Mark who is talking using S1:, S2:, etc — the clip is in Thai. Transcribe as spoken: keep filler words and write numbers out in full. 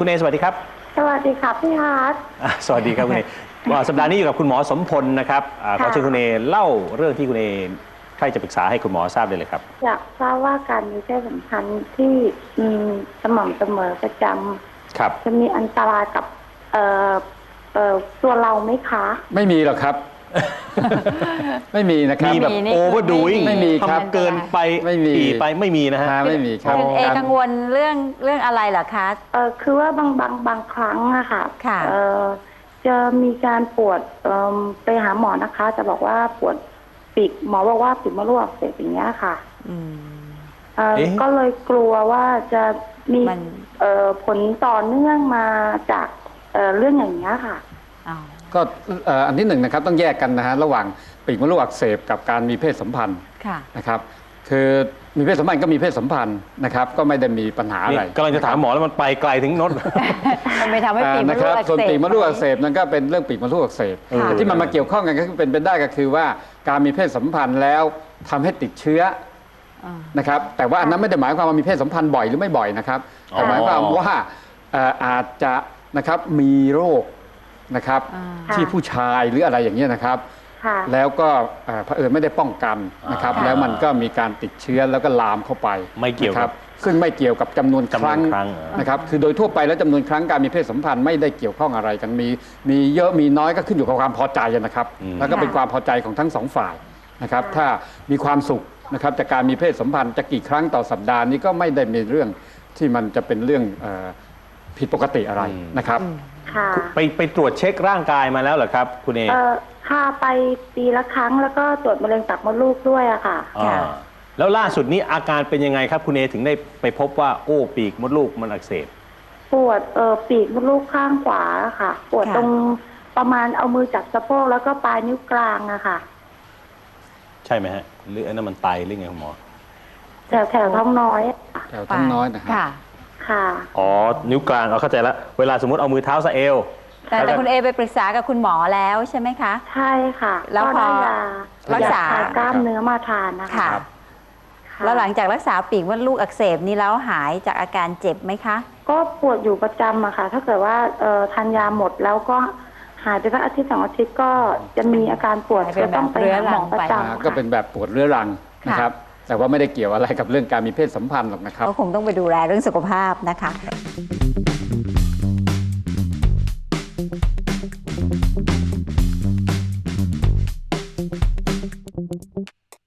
S1: คุณเอสวัสดีครับ
S2: สวัสดีครับพี่ฮาร์ด
S1: สวัสดีครับคุณเอว่าสัปดาห์นี้อยู่กับคุณหมอสมพลนะครับขอเชิญคุณเอเล่าเรื่องที่คุณเอใครจะปรึกษาให้คุณหมอทราบได้เลยครับ
S2: อยากทราบว่าการมีเพศสัมพันธ์ที่สม่ำเสมอประจำ
S1: ครับ
S2: จะมีอันตรายกับเอ่อเอ่อตัวเราไหมคะ
S3: ไม่มีหรอกครับ ไม่มีนะครับ
S1: มีแบบโอเวอร์ดูอิง
S3: ไม่มีครับ
S1: เกินไป
S3: ไม่มี
S1: ปีไปไม่มีนะฮะ
S3: ไม่มีครับ
S4: คุณเอกังวลเรื่องเรื่องอะไรเหรอคะ
S2: เออคือว่าบางบางบางครั้งอะค่ะ
S4: ค่ะ
S2: เออจะมีการปวดเอ่อไปหาหมอนะคะจะบอกว่าปวดปีกหมอบอกว่าปีกมดลูกอักเสบอย่างเงี้ยค่ะเออก็เลยกลัวว่าจะมีเอ่อผลต่อเนื่องมาจากเอ่อเรื่องอย่างเงี้ยค่ะ
S3: ก็อันที่หนึ่งนะครับต้องแยกกันนะฮะระหว่างปีกมดลูกอักเสบกับการมีเพศสัมพันธ์นะครับคือมีเพศสัมพันธ์ก็มีเพศสัมพันธ์นะครับก็ไม่ได้มีปัญหาอะไร
S1: กำลังจะถามหมอแล้วมันไปไกลถึงโน้น
S4: มันไม่ทำให้ปีกมดลูกอักเสบ
S3: ส่วนปีกมดลูกอักเสบนั่นก็เป็นเรื่องปีกมดลูกอักเสบแต่ที่มันมาเกี่ยวข้องกันก็เป็นไปได้ก็คือว่าการมีเพศสัมพันธ์แล้วทำให้ติดเชื้อนะครับแต่ว่าอันนั้นไม่ได้หมายความว่ามีเพศสัมพันธ์บ่อยหรือไม่บ่อยนะครับแต่หมายความว่าอาจจะนะครับมีโรคนะครับที่ผู้ชายหรืออะไรอย่างเงี้ยนะครับแล้วก็เผอิญไม่ได้ป้องกันนะครับแล้วมันก็มีการติดเชื้อแล้วก็ลามเข้าไป
S1: ไม่เกี่ยว
S3: กับซึ่งไม่เกี่ยวกับจำนวนครั้งนะครับคือโดยทั่วไปแล้วจำนวนครั้งการมีเพศสัมพันธ์ไม่ได้เกี่ยวข้องอะไรกันมีมีเยอะมีน้อยก็ขึ้นอยู่กับความพอใจนะครับแล้วก็เป็นความพอใจของทั้งสองฝ่ายนะครับถ้ามีความสุขนะครับจากการมีเพศสัมพันธ์จะกี่ครั้งต่อสัปดาห์นี้ก็ไม่ได้มีเรื่องที่มันจะเป็นเรื่องผิดปกติอะไรนะครับ
S1: ไปไปตรวจเช็คร่างกายมาแล้วเหรอครับคุณเอ
S2: ค่ะไปปีละครั้งแล้วก็ตรวจมะเร็งปากมดลูกด้วยอะค่ะ
S1: แล้วล่าสุดนี้อาการเป็นยังไงครับคุณเอถึงได้ไปพบว่าโอ้ปีกมดลูกมันอักเสบ
S2: ปวดเออปีกมดลูกข้างขวาค่ะปวดตรงประมาณเอามือจับสะโพกแล้วก็ปลายนิ้วกลางอะค่ะ
S1: ใช่ไหมฮะหรืออันนั้นมันไตหรือไงคุณหมอ
S2: แถวแถวท้องน้อย
S3: แถวท้องน้อยนะครับ
S2: ค่ะ
S1: อ๋อนิ้วกลางเอาเข้าใจแล้วเวลาสมมติเอามือเท้าสะเอว
S4: แต่แต่คุณเอไปปรึกษากับคุณหมอแล้วใช่ไหมคะ
S2: ใช่ค่ะ
S4: แล้วพอรักษ
S2: ากล้ามเนื้อมาทานนะคะ
S4: แล้วหลังจากรักษาปีกมดลูกอักเสบนี้แล้วหายจากอาการเจ็บไหมคะ
S2: ก็ปวดอยู่ประจำอะค่ะถ้าเกิดว่าทานยาหมดแล้วก็หายไปสักอาทิตย์สองอาทิตย์ก็จะมีอาการปวดก็ต้องไปหาหมอประจำ
S3: ก็เป็นแบบปวดเรื้อรังนะครับแต่ว่าไม่ได้เกี่ยวอะไรกับเรื่องการมีเพศสัมพันธ์หรอกนะครับ
S4: ก็คงต้องไปดูแลเรื่องสุขภาพนะคะ